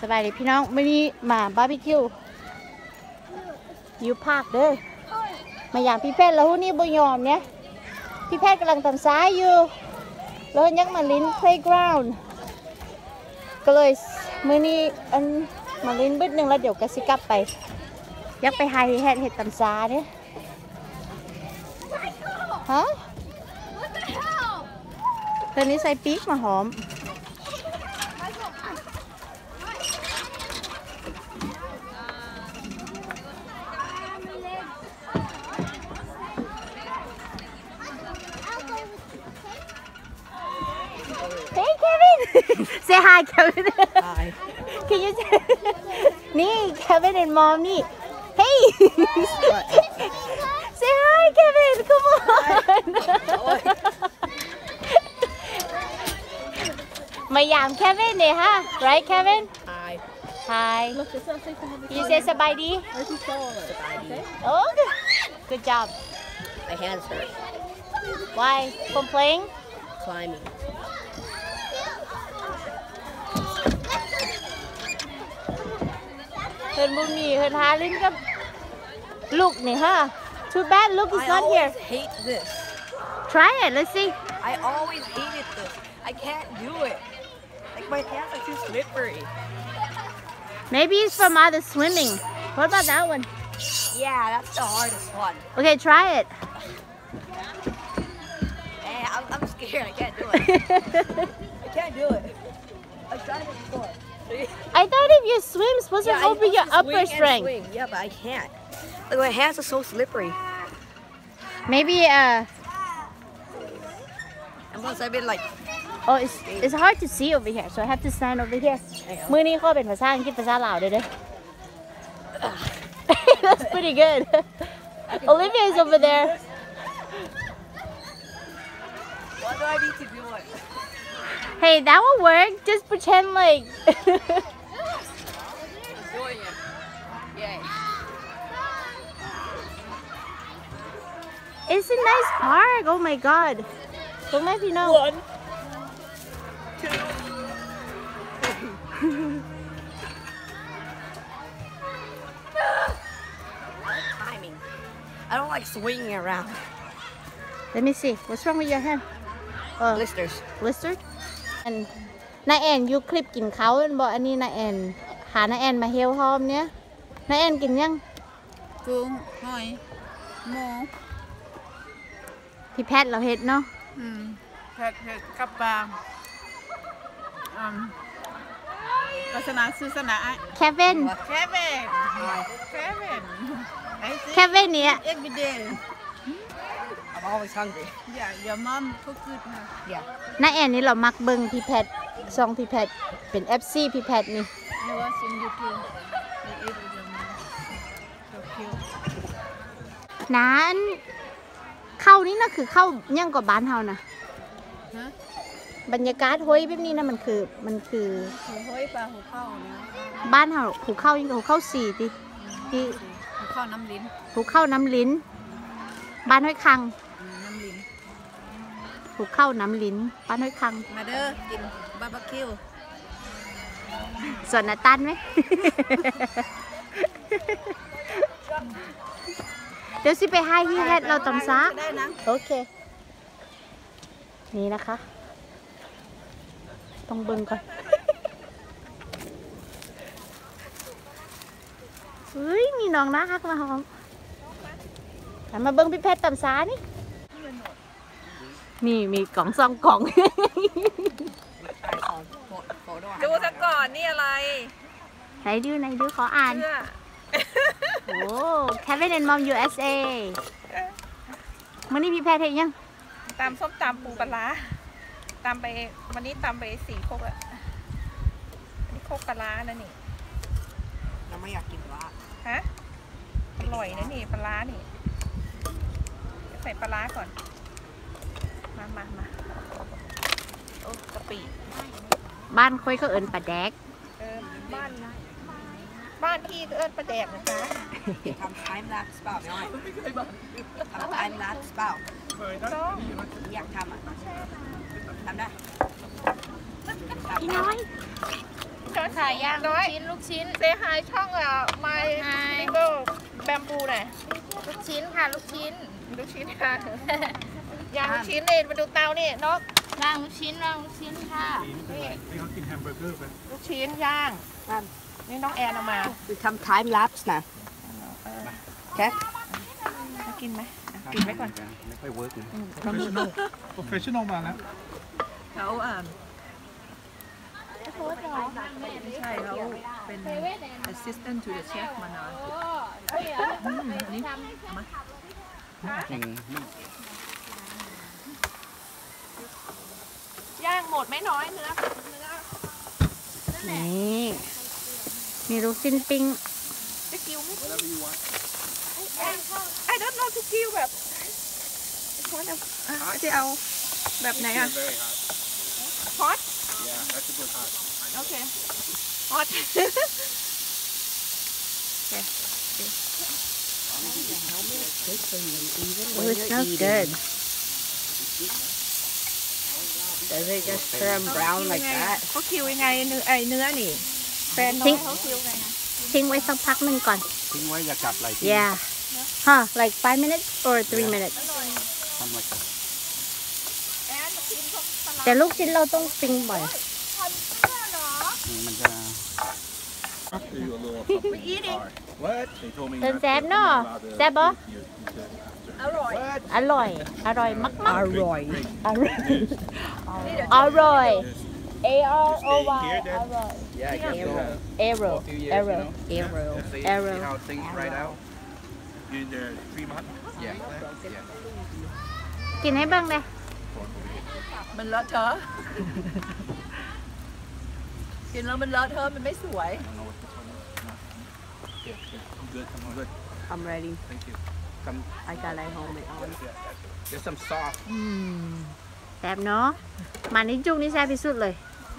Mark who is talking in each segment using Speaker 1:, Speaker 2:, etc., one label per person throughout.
Speaker 1: สบายดีพี่น้องไม่มีมาบาร์บีคิวอยู่ภาคเด้อมาอย่างพี่แพทย์แล้วนี่บ่ยอมเนี่ยพี่แพทย์กำลังทำซ้ายอยู่แล้วยังมาลิ้น playground ก็เลยมื้อนี้อันมาลิ้นบึ้ดนึงแล้วเดี๋ยวก็สิกลับไปยักไปหาเห็ดตำซ้าเนี่ยฮะตอนนี้ใส่ปีกมาหอมSay hi, Kevin.
Speaker 2: Hi.
Speaker 1: Can you say... Nee, Kevin and Mom, nee. Hey! Say hi, Kevin. Come on. Mayam Kevin, eh, huh? Right, Kevin?
Speaker 2: Hi.
Speaker 1: Hi. You say sabadi? Oh, good job.
Speaker 2: My hands hurt.
Speaker 1: Why? From playing?
Speaker 2: Climbing.
Speaker 1: Hơn mua mì, hơn há lên cấp Look này ha. Too bad Luke is not here.
Speaker 2: I always hate this.
Speaker 1: Try it, let's see.
Speaker 2: I always hated this. I can't do it. Like my hands are too slippery.
Speaker 1: Maybe it's from other swimming. What about that one?
Speaker 2: Yeah, that's the hardest one.
Speaker 1: Okay, try it.
Speaker 2: Hey, I'm scared. I can't do it. I can't do it. I've tried it before.
Speaker 1: I thought if you swim, supposed to open your upper strength.
Speaker 2: Swing. Yeah, but I can't. Like my hands are so slippery.
Speaker 1: Maybe
Speaker 2: And once I've been like,
Speaker 1: oh, it's hard to see over here, so I have to stand over here. มื้อนี้เขาเป็นภาษาอังกฤษภาษาลาวด้วยเด้อ That's pretty good. Olivia is over there.
Speaker 2: what do I need to do it?
Speaker 1: Hey, that will work. Just pretend like.
Speaker 2: Doing it. Yay.
Speaker 1: It's a nice park. Oh my god. Don't let me know.
Speaker 2: 1, 2. Timing. I don't like swinging around.
Speaker 1: Let me see. What's wrong with your hand?
Speaker 2: Blisters.
Speaker 1: Blister? And นาแอนยูคลิปกินเขาเป็นบอกอันนี้นาแอนหานาแอนมาเฮลฮอมเนี้ยนาแอนกินยัง
Speaker 3: กุ้งหอยหมู
Speaker 1: พี่แพทย์เราเฮ็ดเนาะ
Speaker 3: เผ็ดกับปลาศาสนาศาสนา
Speaker 1: แคเว่น
Speaker 3: แค่เผ็ดไอ้สิ
Speaker 1: แคเว่นเนี่ย
Speaker 3: every day
Speaker 2: I'm always hungry.
Speaker 3: yeah your mom cook it
Speaker 2: Yeah.
Speaker 1: นาแอนนี่เรามักเบิ่งพี่แพทย์ซองพี่แพทย์เป็น FC พี่แพทย์นี่
Speaker 3: I was in YouTube I eat with your mom so cute
Speaker 1: นั้นเข้านี่นะคือเข้ายังกว่าบ้านเฮานะ
Speaker 3: ฮะ
Speaker 1: บรรยากาศห้วยแบบนี้นะมันคือ
Speaker 3: หูห้อยปลาหูเข้าเนี่ย
Speaker 1: บ้านเฮาภูเข้ายังกับภูเข้า4ติที่
Speaker 3: หูเข้าน้ำลิ้น
Speaker 1: ภูเข้าน้ำลิ้นบ้านห้วยคัง
Speaker 3: น้ำลิ้น
Speaker 1: ภูเข้าน้ำลิ้นบ้านห้วยคัง
Speaker 3: มาเด้อกินบาร์บีคิว
Speaker 1: ส่วนนาตันไหม เดี๋ยวสิไปให้ที่แฮดเราตำซา
Speaker 3: ได้นะ
Speaker 1: โอเค นี่นะคะ ต้องเบิ่งก่อน เฮ้ย มีน้องน่ารักมาหอมมาเบิ่งพี่แพทย์ตำซานี่ นี่มีกล่องซองกล่อง
Speaker 3: ดูซะก่อนนี่อะไร
Speaker 1: ไหนดูขออ่าน
Speaker 3: เสื้อ
Speaker 1: โอ้ Kevin and Mom USA มื่อนี้พี่แพทย์เห็นยัง
Speaker 3: ตำส้มตำปูปลาร้าตำไปวันนี้ตำไป4 โคกอะอันนี้โคกปลาร้านะนี่
Speaker 2: เราไม่อยากกินปลา
Speaker 3: ฮะอร่อยนะนี่ปลาร้านี่ใส่ปลาร้าก่อนมาโอ้กะปิ
Speaker 1: บ้านค่อยเขาเอิ้นปลาแดก
Speaker 3: บ้านพี่ก็เอิ้นปลาแดกนะจ๊ะ
Speaker 2: ทำ time lapse เปล่าไม่ทำ time lapse เปล่า
Speaker 3: ต้อง
Speaker 2: อยากทำอ่ะทำได้
Speaker 1: พี่น้อย
Speaker 3: ใช่
Speaker 1: ค่ะย่าง
Speaker 3: น้อย
Speaker 1: ลูกชิ้น
Speaker 3: เซฮายช่องMy Little Bamboo หน่อย
Speaker 1: ลูกชิ้นค่ะลูกชิ้น
Speaker 3: ลูกชิ้นค่ะย่างลูกชิ้นเลยมาดูเตานี่นก
Speaker 1: ย่างลูกชิ้นค่ะ
Speaker 3: นี่
Speaker 4: ให้เขากินแฮมเบอร์เกอร์ไป
Speaker 3: ลูกชิ้นย่างนี่น้องแอนเอามา
Speaker 2: We come time lapse now. Okay.
Speaker 3: กินไหมกินไว้ก่อน
Speaker 4: ไม่ค่อยเวิร์กนะโปรเฟชชั่นอลมาแล้ว
Speaker 2: เขาไม่ใช่เขาเป็น assistant to the chef มานานอันนี้มา
Speaker 3: ย่างหมดไม่น้อยเนื้อ
Speaker 1: นี่มีลูกชิ้นปิ้ง
Speaker 3: จะกิ้วไหมไอ้ don't know จะกิ้วแบบจะเอาแบบไหนอะฮอตโอเคฮอต
Speaker 1: Oh, it smells good.
Speaker 2: Does it just turn brown like that?
Speaker 3: เขาคิวยังไงเนื้อนี่แฟนน้องเขาคิวไงนะ
Speaker 1: ทิ้งไว้สักพักหนึ่งก่อน
Speaker 4: ทิ้งไว้อย่ากัดไหล
Speaker 1: Yeah. Huh, like 5 minutes or 3 minutes?
Speaker 4: ทำอะไรกัน
Speaker 3: แอนกินพวกสลัด
Speaker 1: แต่ลูกชิ้นเราต้องปิ้งบ่อย
Speaker 4: มันจะ
Speaker 5: What? They told me
Speaker 1: เพิ่น
Speaker 5: not
Speaker 1: แซ่บ
Speaker 5: to-
Speaker 1: เนาะแซ่บบ่
Speaker 5: you- you said-
Speaker 1: อร่อย อร่อยมากๆ
Speaker 2: อร่อย
Speaker 1: อร่อย อร่อย A R O Y
Speaker 5: Here, then?
Speaker 1: อร่อย
Speaker 5: Yeah, I guess so.
Speaker 1: Arrow
Speaker 5: A few years,
Speaker 1: Arrow
Speaker 5: you know?
Speaker 2: Arrow.
Speaker 5: See,
Speaker 1: Arrow.
Speaker 5: see how things right out? You in there 3 months? Yeah. Yeah.
Speaker 1: กินให้บ้างเลย
Speaker 2: มันเลอะเทอะกินแล้วมันเลอะเทอะมันไม่สวย
Speaker 5: I don't know what this one is. No. Yeah, I'm good. I'm good.
Speaker 2: I'm ready
Speaker 5: Thank you. Some,
Speaker 2: I got it home and on
Speaker 5: there's some sauce.
Speaker 1: แซ่บเนาะมาในจุงนี่แซ่บที่สุดเลย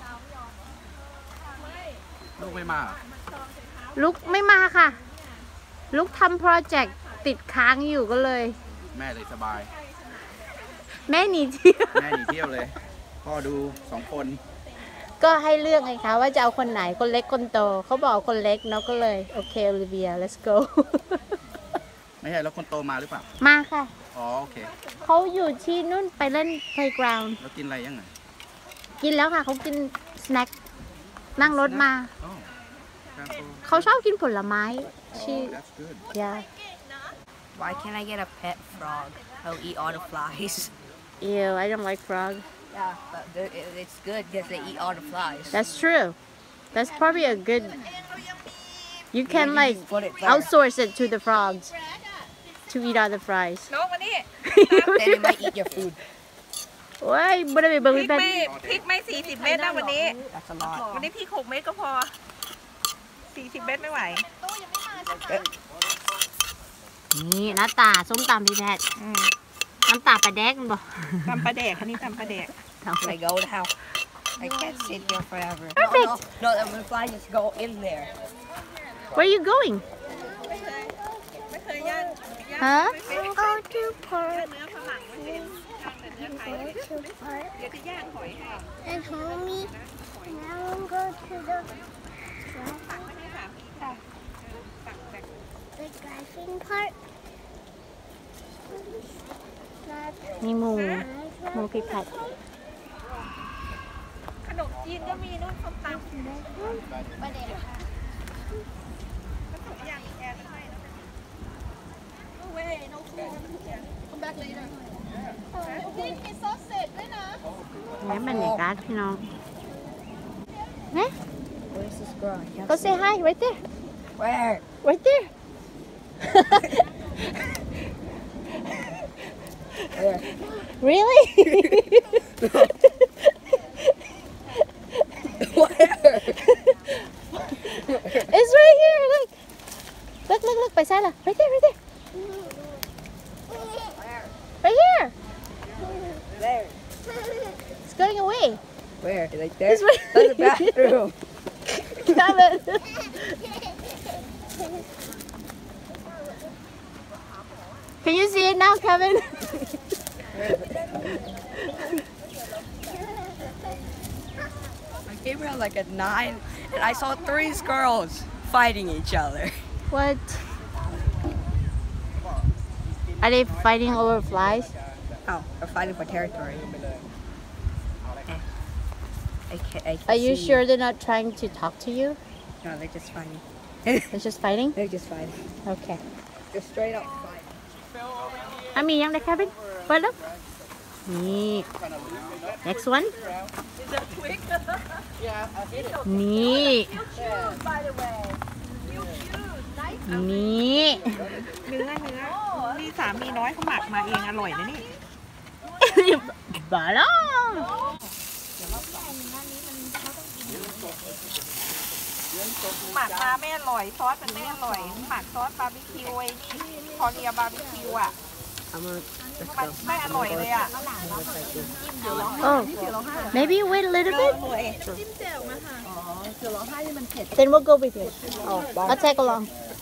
Speaker 5: ลูกไม่มา
Speaker 1: ลุกไม่มาค่ะ ลุกทำโปรเจกต์ติดค้างอยู่ก็เลย
Speaker 5: แม่เลยสบาย
Speaker 1: แม่หนีเที่ยว
Speaker 5: แม่หนีเที่ยวเลย พ่อดู2 คน
Speaker 1: ก็ให้เลือกไงคะว่าจะเอาคนไหนคนเล็กคนโตเขาบอกคนเล็กเนาะก็เลย โอเคโอลิเวีย let's go
Speaker 5: ไม่ใช่แล้วคนโตมาหรือเปล่า
Speaker 1: มาค่ะ
Speaker 5: อ๋อโอเค
Speaker 1: เขาอยู่ที่นู่นไปเล่น playground
Speaker 5: แล้วกินอะไรยังไง
Speaker 1: กินแล้วค่ะเขากินสแน็คนั่งรถมา
Speaker 5: อ๋อครับผม
Speaker 1: เขาชอบกินผลไม้ชื่อ
Speaker 5: That's good.
Speaker 1: yeah
Speaker 2: Why can't I get a pet frog? I'll eat all the flies.
Speaker 1: ew I don't like frog
Speaker 2: Yeah, but it's good because they eat all the flies.
Speaker 1: that's true that's probably a good you can
Speaker 2: Yeah, you
Speaker 1: like
Speaker 2: just put it there.
Speaker 1: outsource it to the frogs to eat all the fries
Speaker 3: นกมานี่
Speaker 2: Then they might eat your food.
Speaker 1: โอ้ยบ่ได้ไปเบิ่ง
Speaker 3: พริก
Speaker 1: แบบ
Speaker 3: ไม่40 เมตรนะวันนี้
Speaker 2: That's a lot.
Speaker 3: วันนี้พริก6 เมตรก็พอ 40 เมตรไม่ไหว
Speaker 1: นี่หน้าตาส้มตำพี่แพทย์
Speaker 3: อืม
Speaker 1: น้ำตาปลาแดกมันบอก
Speaker 3: ตำปลาแดกอันนี้ตำปลาแดก
Speaker 2: I go to how? I can't sit here forever.
Speaker 1: Perfect.
Speaker 2: No, the fly just go in there.
Speaker 1: Where are you going
Speaker 3: ไม่เคยย่าง
Speaker 1: ฮะ
Speaker 3: go to park เนื้อฝรั่งไม่เป็นย่างแต่เนื้อไทยเดี๋ยวจะย่างหอยให้
Speaker 6: And homie, now I'm going to the
Speaker 3: ตักไม่ให้ค่ะตักแต่
Speaker 6: driving part.
Speaker 1: มีหมูพี่แพทย์
Speaker 3: ขนมจีนก็มีนู่นส้มตำปลาแดกผสมอย่างอีแอนให้นะ No way no food come back later นี่มีซอสเสร็จด้วยนะ
Speaker 1: แม่บรรยากาศพี่น้องนะ
Speaker 2: Where's this girl? I can't
Speaker 1: go
Speaker 2: see.
Speaker 1: say hi right there
Speaker 2: Where?
Speaker 1: right there
Speaker 2: Where?
Speaker 1: really
Speaker 2: Where?
Speaker 1: it's right here look ไปซ้ายล่ะ right there right here
Speaker 2: There.
Speaker 1: it's going away
Speaker 2: Where? Like there?
Speaker 1: It's right
Speaker 2: That's the bathroom.
Speaker 1: Kevin can you see it now Kevin
Speaker 2: I came here like at 9
Speaker 7: and I saw 3 squirrels fighting each other.
Speaker 1: What? Are they fighting over flies?
Speaker 7: Oh, they're fighting for territory. I can
Speaker 1: Are you
Speaker 7: see-
Speaker 1: sure they're not trying to talk to you?
Speaker 7: No, they're just fighting.
Speaker 1: They're just fighting?
Speaker 7: They're just fighting.
Speaker 1: Okay.
Speaker 7: They're straight up fighting.
Speaker 1: มียังใน cabin เปิดแล้วนี่ next one นี่นี่
Speaker 3: เนื้อนี่สามีน้อยเขาหมักมาเองอร่อยนะนี่
Speaker 1: บาล่า
Speaker 3: หมักมาไม่อร่อยซอสมันไม่อร่อยหมักซอสบาร์บีคิวไอ้นี่คอเรียบาร์บีคิวอ่ะ มันไม่อร่อยเลยอ่ะ
Speaker 1: Oh maybe wait a little bit then we'll go with it I'll tag along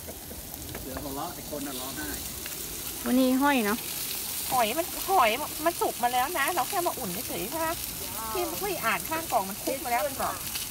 Speaker 1: วันนี้ห้อยเนาะ
Speaker 3: หอยมันสุกมาแล้วนะ เราแค่มาอุ่นเฉยๆใช่ไหมที่คุยอ่านข้างกล่องมันคุกมาแล้วมันบอก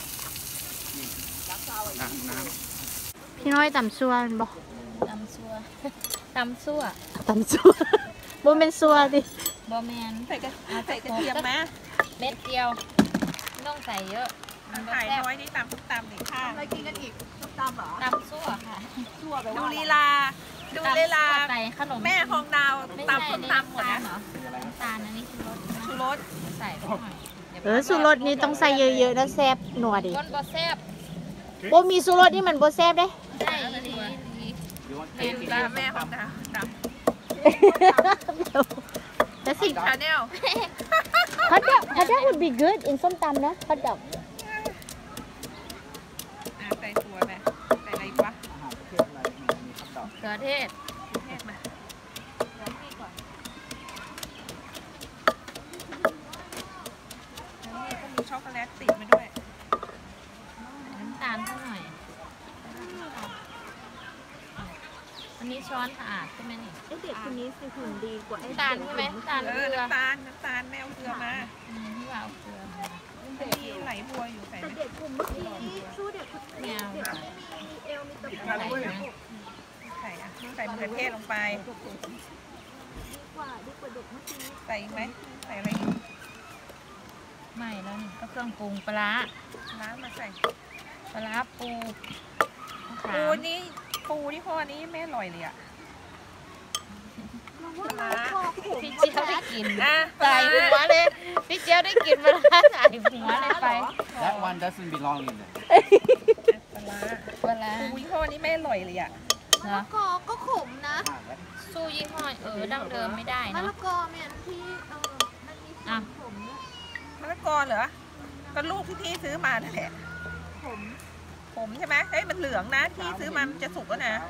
Speaker 1: พี่น้อยตำซัวมันบอก
Speaker 8: ตำซัวตำซัว
Speaker 1: ตำซัวบ่เป็นซัวดิ
Speaker 8: บอแมน
Speaker 3: ใส่กระเทียมไหม
Speaker 8: เม็ดเดียวไม่ต้องใส่เยอะมันบ่
Speaker 3: ไข่
Speaker 8: แซ่บ
Speaker 3: น้อยนี่ตำตำหนึ่งข้างอะไรกินกันอีกตำเหรอ
Speaker 8: ตำซัวค่ะ
Speaker 3: ดูลีลาดูลีลา
Speaker 8: ตำซั่วใส่ขนม
Speaker 3: แม่ของดาว
Speaker 8: ไม่
Speaker 3: ตำ
Speaker 8: ใช่
Speaker 3: ส้ม
Speaker 8: นี่
Speaker 3: ตำ
Speaker 8: น้ำตาล
Speaker 3: นะ
Speaker 8: เหรอน้ำตาลอันนี้คือรส
Speaker 3: ชูรส
Speaker 8: ใส่ไปหน่อยดี๋ยว
Speaker 1: สูรสนี่ต้องใส่เยอะๆนะแซ่บหนัวดิ
Speaker 8: คนบ่แซ่บ
Speaker 1: บ่มีสูรสนี่มันบ่แซ่บเด้
Speaker 8: ใช่ดี
Speaker 3: เป็นปลาแม่ของดาวต
Speaker 1: That's
Speaker 3: ำ
Speaker 1: it
Speaker 3: ชาแนล
Speaker 1: hot dog would be good in ส้มตำนะ hot dog
Speaker 3: ใส่ถั่วไหมใส่อะไรอีกวะ
Speaker 8: เกลือเทศ
Speaker 3: เทศมาแล้วนี่ก็มีช็อกโกแลตติดมาด้วย
Speaker 8: น้ำตาลสักหน่อยอันนี้ช้อนสะอาดใช่ไหมนี่
Speaker 1: เด็กคนนี้สิหุ่นดีกว่า
Speaker 8: น้ำตาลใช่ไหมน้ำตาล
Speaker 3: เอ
Speaker 8: เก
Speaker 3: อ
Speaker 8: ลือ
Speaker 3: น้ำตาลแมวเกลือมา
Speaker 8: ที่ว่าเอาเกลือมา
Speaker 3: มีไหลบัวอยู่ใส่ไหม
Speaker 8: ไม่เอาค่ะ
Speaker 3: ใส่อะใส่มะเขือเทศลงไปใส่อีกไหมใส่อะไรอีก
Speaker 8: ไม่แล้วนี่ก็เครื่องปรุงปลาร้า
Speaker 3: น้ำมาใส่
Speaker 8: ปลาร้าปูมะขา
Speaker 3: ปู
Speaker 8: ม
Speaker 3: นี่ปูที่พ่อนี้ไม่อร่อยเลยอ่ะปลาร้า
Speaker 8: พี่เจียวได้กิน
Speaker 3: อ่ะ
Speaker 8: ใส่หัวเลยพี่เจียวได้กินปลาร้าใส่หัวเลยไป
Speaker 5: That one doesn't belong in there.
Speaker 3: ปลาร้า
Speaker 8: ปลาร้า
Speaker 3: ปูที่พ่อนี้ไม่อร่อยเลยอ่ะ
Speaker 8: เหรอ
Speaker 6: ก็ขมนะ
Speaker 8: สู้ยี่ห้อดั้งเดิมไม่ได้
Speaker 6: มะ
Speaker 8: เนาะ
Speaker 6: ละกอเนี่ยที่มันมี
Speaker 8: อ่ะ
Speaker 6: ผมเนี่ย
Speaker 3: มะละกอเหรอก็ลูกที่พี่ซื้อมานั่นแหละผมใช่ไหมเฮ้ยมันเหลืองนะที่ซื้อมามันจะสุกแล้วนะ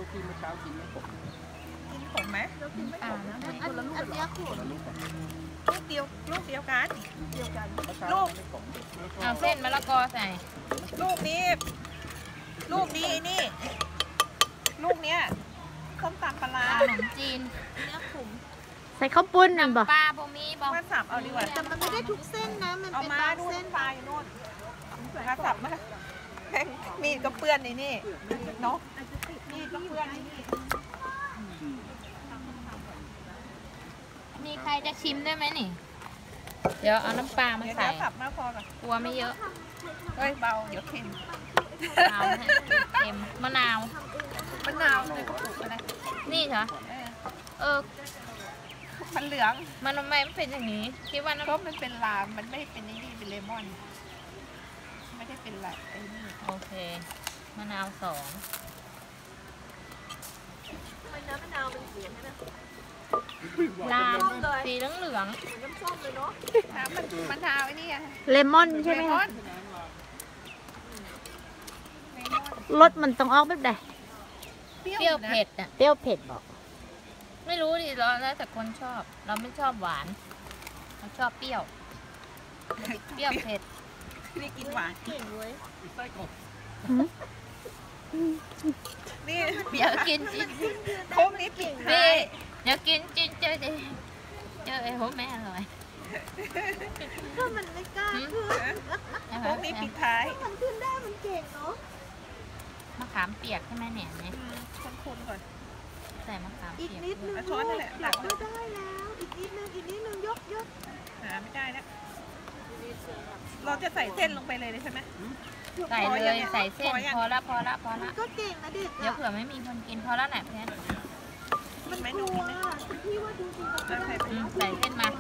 Speaker 3: กินผมไหม
Speaker 8: ป่าแล้ว
Speaker 6: อันเนี้ยขม
Speaker 3: ลูกเดียวกันลูก
Speaker 8: เอาเส้นมะละกอใส่
Speaker 3: ลูกนี้ไอ้นี่ลูกเนี้ยส้มตำปลาร้า
Speaker 8: ขนมจีน
Speaker 1: ใส่ข้าวปุ้นนั่นบ่
Speaker 8: ปลาบ่มีบ่
Speaker 3: มาสับเอาดีกว่า
Speaker 6: แต่มันไม่ได้ทุกเส้นนะ มัน
Speaker 3: เอา
Speaker 6: เป็น
Speaker 3: มา
Speaker 6: บาง
Speaker 3: ดู
Speaker 6: เส้น
Speaker 3: ปลาอยู่นู่นมาสับมาแม่งมีดก็เปื้อนในนี่เนาะมีดก็เปื้อนในนี่
Speaker 8: มีใครจะชิมด้วยไหมนี่ เดี๋ยวเอาน้ำปลามา
Speaker 3: เดี๋ยว
Speaker 8: ใส่
Speaker 3: สับมาพอก่อน
Speaker 8: กลัวไม่เยอะ
Speaker 3: เฮ้ยเบาเดี๋ยวเค็ม
Speaker 8: เอาให้เค็มมะนาว
Speaker 3: มะนาวเลยก็ปลูกอะไร
Speaker 8: นี่เหรอ เออ
Speaker 3: มันเหลือง
Speaker 8: มันทำไมไม่เป็นอย่างนี้คิดว่าน้ำ
Speaker 3: ก็มันเป็นลามมันไม่ได้เป็นไอ้นี่เป็นเลมอนไม่ได้เป็นอะไรไอ้นี่
Speaker 8: โอเคมะนาว2 ลามสีเหลือง
Speaker 3: น้ำมันมะนาวไอ้นี่อะ
Speaker 1: เลมอนใช่ไหม
Speaker 3: เล
Speaker 1: คะ
Speaker 3: อนเลมอน
Speaker 1: รสมันต้องออกแบบใด
Speaker 8: ๆเปรี้ยวเผ็ดอ่ะ
Speaker 1: เปรี้ยวเผ็ดบอก
Speaker 8: ไม่รู้ดิแล้วแต่คนชอบ เราไม่ชอบหวานเราชอบเปรี้ยว เปรี้ยวเผ็ด
Speaker 3: นี่กินหวานนี่
Speaker 8: เดี๋ยวกินจริง
Speaker 3: โค้งนี้ปิดท้าย
Speaker 8: เดี๋ยวกินจริงเจอไอ้โหแม่อร่อย
Speaker 6: ก็มันไม่กล้าขึ้น
Speaker 3: โค้งนี้ปิดท้าย
Speaker 6: มันขึ้นได้มันเก่ง
Speaker 8: ามเปียกใช่ไหมเนี่ยเนี่ย
Speaker 3: คนๆก่อน
Speaker 8: ใส่มะขามเปียก
Speaker 3: เอาช้อนนั่นแหละตักเลย
Speaker 1: ได้แล้วอีกนิดนึงยก
Speaker 3: หาไม่ได้แล้วเราจะใส่เส้นลงไปเลยใช่ไหม
Speaker 8: ใส่เลยใส่เส้น
Speaker 3: พอยัง
Speaker 8: พอละ
Speaker 1: ก็เก่งนะเด็ก
Speaker 8: เดี๋ยวเผื่อไม่มีคนกินพอแล้วแหละเพื่อน
Speaker 3: มันไหมหนูไหมใส่
Speaker 8: ใส่เส้นมา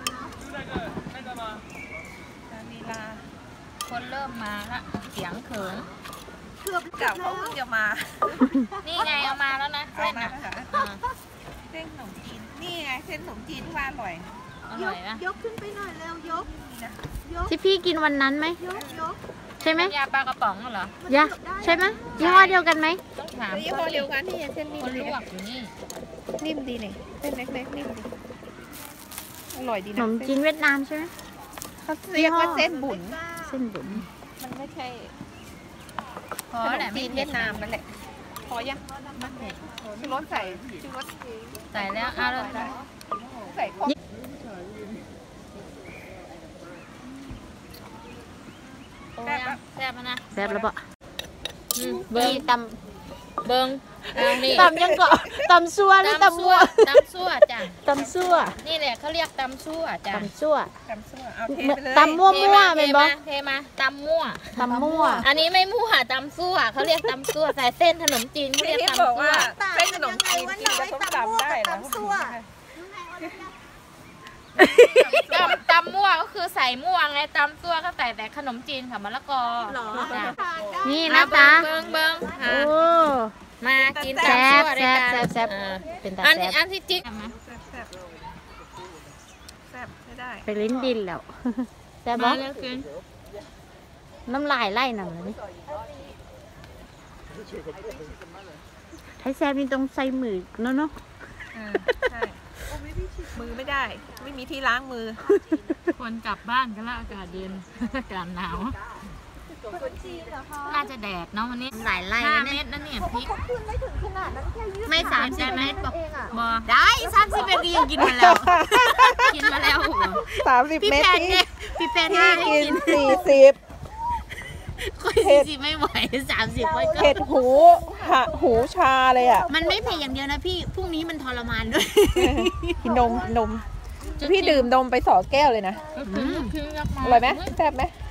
Speaker 3: ลีลา
Speaker 8: คนเริ่มมาละเสียงเขิน
Speaker 3: เก่าเขาเพิ่งจะมา
Speaker 8: นี่ไงเอามาแล้วนะเส้น
Speaker 3: มา
Speaker 8: อ่ะ
Speaker 3: ค่ะ
Speaker 8: อ่า
Speaker 3: เส้นขนมจีนนี่ไงเส้นขนมจีนที่ว่าอร่อย
Speaker 8: อร่อยนะ
Speaker 1: ยกขึ้นไปหน่อยเร็วยก
Speaker 9: ที่พี่กินวันนั้นไหม
Speaker 1: ยก
Speaker 9: ใช่ไหม
Speaker 8: ยาปลากระป๋องเหรอย
Speaker 9: ะใช่ไหมยี่ห้อเดียวกันไหม
Speaker 8: ต้องถาม
Speaker 3: ยี่ห้อเดียวกันนี่เส้นนิ่
Speaker 8: ค
Speaker 3: ม
Speaker 8: น
Speaker 3: ดี
Speaker 8: ลวกอยู่นี่
Speaker 3: นิ่มดีนี่เส้นเล็กๆนิ่มดีอร่อยดี
Speaker 9: ข
Speaker 3: นะ
Speaker 9: นมจีนเวียดนามใช่ไหม
Speaker 3: เขาเรียกว่าเส้นบุญ
Speaker 9: เส้นบุ๋ม
Speaker 3: มันไม่ใช่
Speaker 8: พอ
Speaker 3: ขน
Speaker 8: แหละ
Speaker 3: มจีนเวียดนามนั่นแหละพอยัง
Speaker 8: มันเผ็ด
Speaker 3: ชูรสใส่ชูรส
Speaker 8: ใส่แล้วเอาเลย
Speaker 3: ใส่พวก
Speaker 8: โอ้ยแซ่บนะ
Speaker 9: แซ่บแล้วปะ
Speaker 8: เบิ้ง
Speaker 9: ต
Speaker 8: เบิ้งเอานี่
Speaker 9: ำตำยังเกาะตำซัวหรือตำมั่ว
Speaker 8: ตำซั่วจ้ะ
Speaker 9: ตำซัว
Speaker 8: นี่แหละเขาเรียกตำซั่วจ้ะ
Speaker 9: ตำซัว
Speaker 3: จำซั่วเอาเทไปเลย
Speaker 9: ตำมั่วมั่วเป็นบ่
Speaker 8: เทมาตำมั่ว
Speaker 9: ตำมั่ว
Speaker 8: อันนี้ไม่มั่วตำซั่วเขาเรียกตำซั่วใส่เส้นขนมจีนเขาเรียก
Speaker 3: ที่
Speaker 8: ตำ
Speaker 3: บอก
Speaker 8: ซั่ว
Speaker 3: ว่าเส้นขนมจีนกินกับส้มตำได้เหรอ
Speaker 8: ตำมั่วก็คือใส่มั่วไงตำซั่วก็ใส่แต่ขนมจีนค่ะมะละกอจ้ะ
Speaker 9: นี่นะจ๊ะ
Speaker 8: เบิ้ง
Speaker 9: โอ้
Speaker 8: มากิน
Speaker 9: แซ่บ
Speaker 8: ตำซั่วด้วยกัน
Speaker 9: แซ่บแซ่บ
Speaker 8: อ่า
Speaker 9: เป็นตา
Speaker 8: อัน
Speaker 9: แซ่
Speaker 8: นี้
Speaker 9: บ
Speaker 8: อันที่จิ๊ก
Speaker 3: แซ่บแซ่บไม่ได้
Speaker 9: ไปลิ้นดินแล้วแซ่บ
Speaker 8: มา
Speaker 9: บ่
Speaker 8: เลือกกิน
Speaker 9: น้ำลายไล่หนังเลยนี่ไทยแซ่บนี่ต้องใส่มือเนาะ
Speaker 3: ใช่มือไม่ได้ ไม่มีที่ล้างมือ
Speaker 8: คนกลับบ้านกันแล้วอากาศเย็น อากาศหนาวน่าจะแดดเนาะวันนี้
Speaker 9: หลายไล่
Speaker 8: 5
Speaker 9: นะ
Speaker 8: เม็
Speaker 9: เนี่ย
Speaker 8: ดนั่นเนี่ยพริก
Speaker 9: ไม่30 เมตรบอก
Speaker 8: บอ
Speaker 9: ได้30 เมตรยังกินมาแล้ว
Speaker 8: กินมาแล้วเหรอ
Speaker 3: 30
Speaker 9: พี่
Speaker 3: เมต
Speaker 9: แพ
Speaker 3: ร
Speaker 9: นเนี่ยพี่แพน
Speaker 3: ที่
Speaker 9: ให้
Speaker 3: กิ
Speaker 9: กิ
Speaker 3: น
Speaker 9: น
Speaker 3: 40
Speaker 9: คุย40ไม่ไหว30ไว้ก็
Speaker 3: เผ็ดหูชาเลยอ่ะ
Speaker 9: มันไม่เผ็ดอย่างเดียวนะพี่พรุ่งนี้มันทรมานด้วย
Speaker 3: กินนม พี่ดื่มนมไป2 แก้วเลยนะ
Speaker 8: คือยักษ์มา
Speaker 3: อร่อยไหมแซ่บไหม